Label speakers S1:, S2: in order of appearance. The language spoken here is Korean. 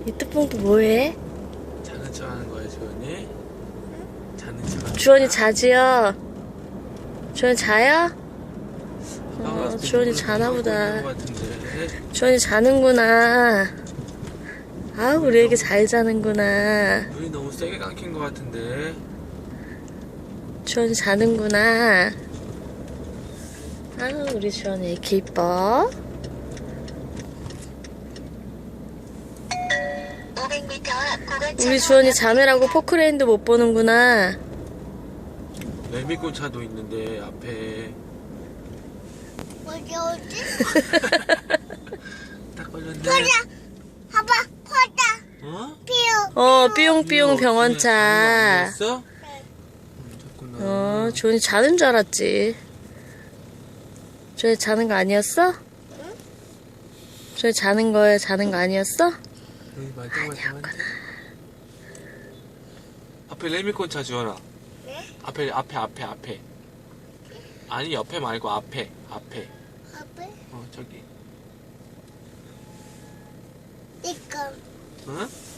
S1: 이뚜뽕도 뭐해?
S2: 자는 척 하는 거야, 주원이? 자는 척 하는
S1: 주원이 자지요? 주원이 자요?
S2: 거야?
S1: 주원이 자나보다.
S2: 것 같은데.
S1: 주원이 자는구나. 아, 우리 애기 잘 자는구나.
S2: 눈이 너무 세게 감긴 것 같은데.
S1: 주원이 자는구나. 아, 우리 주원이 이렇게 이뻐.
S3: 500m 앞 구간
S1: 우리 주원이 자매라고 포크레인도 못 보는구나.
S2: 레미꽃차도 있는데 앞에
S3: 어디?
S2: 딱 걸렸네.
S3: 봐봐, 커다.
S2: 어?
S3: 삐우.
S1: 삐용삐용 병원차.
S2: 아니었어? 잤구나.
S1: 주원이 자는 줄 알았지. 주원이 자는 거 아니었어? 주원이 자는 거에 자는 거 아니었어?
S2: 여기 말똥말똥한데. 앞에 레미꽃차 주원아.
S3: 네?
S2: 앞에. 아니 옆에 말고 앞에.
S3: 앞에?
S2: 저기.
S3: 이거.
S2: 응?